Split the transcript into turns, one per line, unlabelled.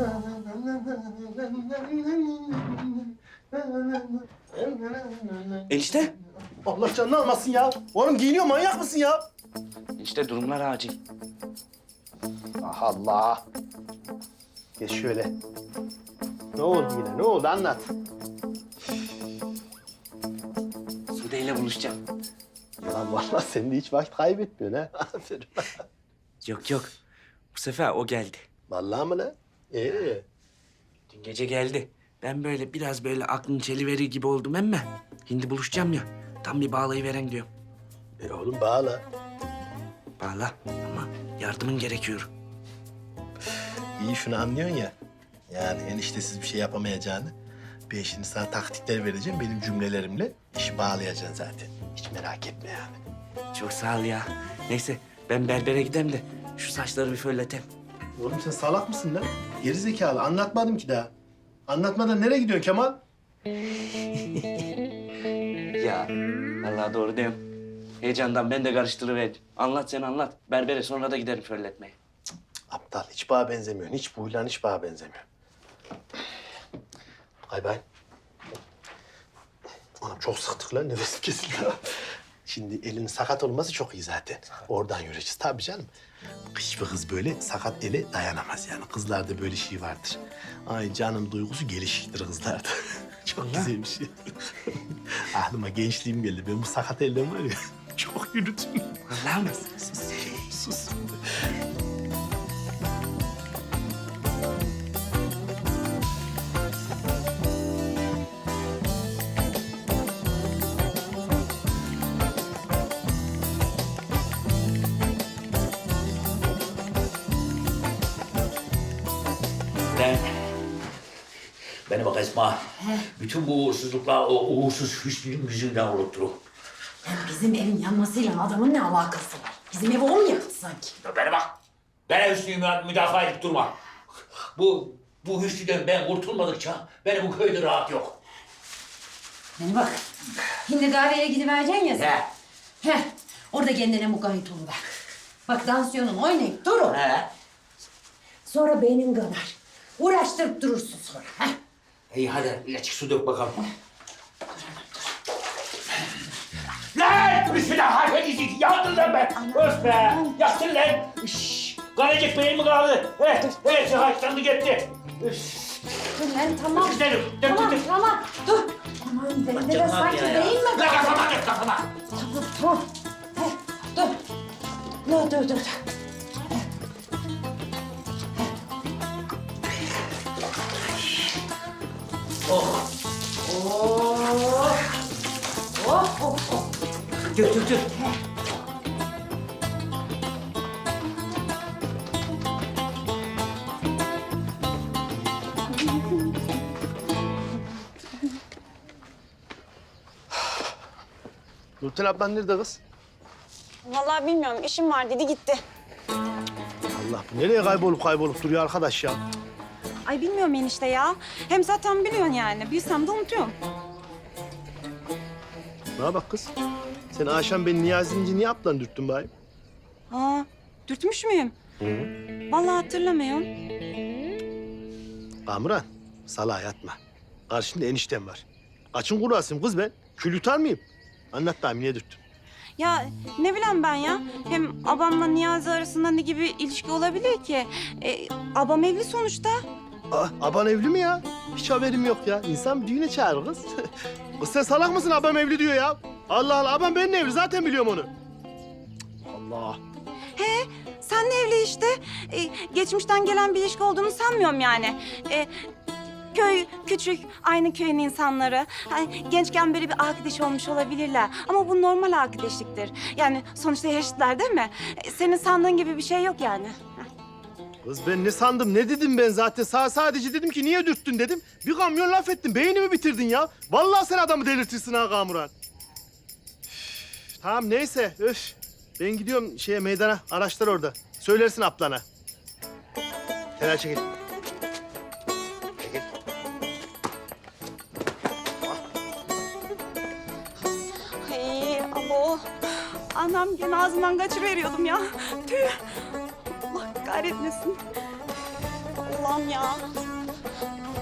Enişte.
Allah canını almasın ya. Oğlum giyiniyor, manyak mısın ya?
Enişte durumlar acil.
Allah Allah. Geç şöyle. Ne oldu yine? Ne oldu? Anlat.
Sude ile buluşacağım.
Lan vallahi sen de hiç vakit kaybetmiyorsun ha. Aferin.
Yok yok. Bu sefer o geldi.
Vallahi mı lan?
Dün gece geldi. Ben böyle biraz böyle aklını çeliverir gibi oldum emme. Şimdi buluşacağım ya. Tam bir bağlayıveren diyorum.
Oğlum bağla.
Bağla ama yardımın gerekiyor.
İyi şunu anlıyorsun ya. Yani eniştesiz bir şey yapamayacağını. Ben şimdi sana taktikler vereceğim. Benim cümlelerimle işi bağlayacaksın zaten. Hiç merak etme yani.
Çok sağ ol ya. Neyse ben berbere gideyim de şu saçları bir fölleteyim.
Oğlum sen salak mısın lan? Geri zekalı. Anlatmadım ki daha. Anlatmadan nereye gidiyorsun Kemal?
Ya vallahi doğru diyorum. Heyecandan ben de karıştırıverdim. Anlat sen anlat. Berbere sonra da giderim fölletmeye.
Aptal. Hiç bağa benzemiyorsun. Hiç bu huylan hiç bağa benzemiyor. Hay bay. Anam çok sıktık lan. Nefesim kesildi. Şimdi elinin sakat olması çok iyi zaten. Oradan yürüyeceğiz. Tabii canım. Hiçbir kız böyle sakat ele dayanamaz yani. Kızlarda böyle şey vardır. Ay canım duygusu gelişiktir kızlarda. Çok güzel bir şey. Aklıma gençliğim geldi. Ben bu sakat elden var ya çok yürüdüm.
Vallahi mı?
Sus.
Bana bak Esma. Bütün bu uğursuzluklar o uğursuz Hüsnü'nün yüzünden olup durur.
Bizim evin yanmasıyla adamın ne alakası var? Bizim evi o mu yaktı sanki?
Bana bak. Bana Hüsnü'yü müdafaa edip durma. Bu Hüsnü'den ben kurtulmadıkça benim bu köyde rahat yok.
Beni bak. Şimdi kahveye gidivereceksin ya sen.
He.
Heh. Orada kendine mukayyet oluver. Bak dansiyonun oynayıp durun.
He.
Sonra beynin kanar. Uğraştırıp durursun sonra. Heh.
İyi hadi açık su dök bakalım. Lan! Hüsnü'den harfedecek. Yandın lan ben. Öf be. Yaktın lan. Şşş. Kanacık beyin mi kaldı? Evet, haçlandı gitti.
Dur lan tamam.
Güzelim. Dök,
Tamam
dök.
tamam. Dur. Aman bende de sanki değil mi?
Lan kafama dök kafama.
Tamam. Heh. Dur. Dur.
Oh.
Oh.
Dök.
Nurten ablan nerede kız?
Vallahi bilmiyorum. İşim var dedi gitti.
Allah bu nereye kaybolup duruyor arkadaş ya?
Ay bilmiyorum enişte ya. Hem zaten biliyorsun yani. Bilsem de unutuyorum.
Bana bak kız. Sen akşam beni Niyazi'nince niye aplan dürttün bari?
Aa, dürtmüş müyüm? Vallahi hatırlamıyorum.
Kamuran, salağa yatma. Karşında eniştem var. Açın kurasım kız ben. Kül yutar mıyım? Anlat da niye dürttün?
Ya ne bileyim ben ya. Hem abamla Niyazi arasında ne gibi ilişki olabilir ki? Abam evli sonuçta.
Aban evli mi ya? Hiç haberim yok ya. İnsan bir düğüne çağırır kız. Kız sen salak mısın? Abam evli diyor ya. Allah Allah, abam benimle evli. Zaten biliyorum onu. Allah.
He, senle evli işte. Geçmişten gelen bir ilişki olduğunu sanmıyorum yani. Köy küçük, aynı köyün insanları. Hani gençken böyle bir arkadaş olmuş olabilirler. Ama bu normal arkadaşlıktır. Yani sonuçta yaşıtlar değil mi? Senin sandığın gibi bir şey yok yani.
Kız ben ne sandım, ne dedim ben zaten? Sadece dedim ki niye dürttün dedim. Bir kamyon laf ettin, beynimi bitirdin ya. Vallahi sen adamı delirtirsin ha Kamuran. Üf, tamam neyse, öf. Ben gidiyorum meydana, araçlar orada. Söylersin ablana. Kenara çekil.
Ay abo. Anam gene ağzından kaçıveriyordum ya. Tüh. Allah kahretmesin. Allah'ım ya.